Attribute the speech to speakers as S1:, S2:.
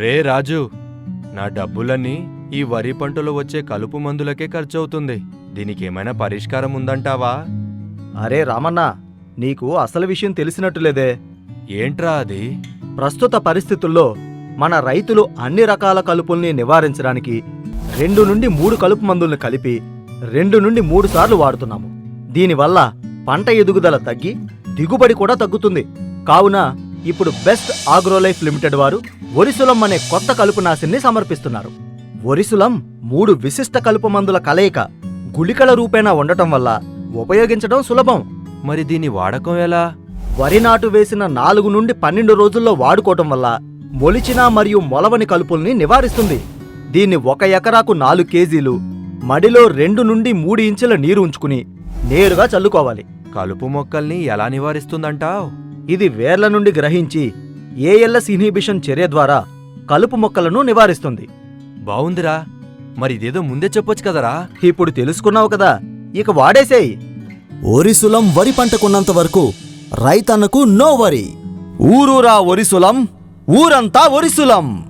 S1: ఒరే రాజు, నా డబ్బులన్నీ ఈ వరి పంటలో వచ్చే కలుపు మందులకే ఖర్చవుతుంది. దీనికేమైనా పరిష్కారం ఉందంటావా?
S2: అరే రామన్న, నీకు అసలు విషయం తెలిసినట్టులేదే.
S1: ఏంట్రా అది?
S2: ప్రస్తుత పరిస్థితుల్లో మన రైతులు అన్ని రకాల కలుపుల్ని నివారించడానికి 2 నుండి 3 కలుపు మందుల్ని కలిపి 2 నుండి 3 సార్లు వాడుతున్నాము. దీనివల్ల పంట ఎదుగుదల తగ్గి దిగుబడి కూడా తగ్గుతుంది. కావున ఇప్పుడు బెస్ట్ ఆగ్రోలైఫ్ లిమిటెడ్ వారు ఒరిసులం అనే కొత్త కలుపు నాశిని సమర్పిస్తున్నారు. ఒరిసులం 3 విశిష్ట కలుపు మందుల కలయిక గుళికల రూపేణా ఉండటం వల్ల ఉపయోగించడం సులభం.
S1: మరి దీని వాడకం ఎలా?
S2: వరి నాటు వేసిన 4 నుండి 12 రోజుల్లో వాడుకోవటం వల్ల మొలిచిన మరియు మొలవని కలుపుల్ని నివారిస్తుంది. దీన్ని 1 ఎకరాకు 4 కేజీలు మడిలో 2 నుండి 3 ఇంచుల నీరు ఉంచుకుని నేరుగా చల్లుకోవాలి.
S1: కలుపు మొక్కల్ని ఎలా నివారిస్తుందంటావ్?
S2: ఇది వేర్ల నుండి గ్రహించి ఏఎల్ఎస్ ఇన్హిబిషన్ చర్య ద్వారా కలుపు మొక్కలను నివారిస్తుంది.
S1: బావుందిరా, మరి ఇదేదో ముందే చెప్పొచ్చు కదరా.
S2: ఇప్పుడు తెలుసుకున్నావు కదా, ఇక వాడేసేయ్.
S3: ఒరిసులం వరి పంటకున్నంత వరకు రైతన్నకు నో వరి.
S2: ఊరూరా ఒరిసులం, ఊరంతా ఒరిసులం.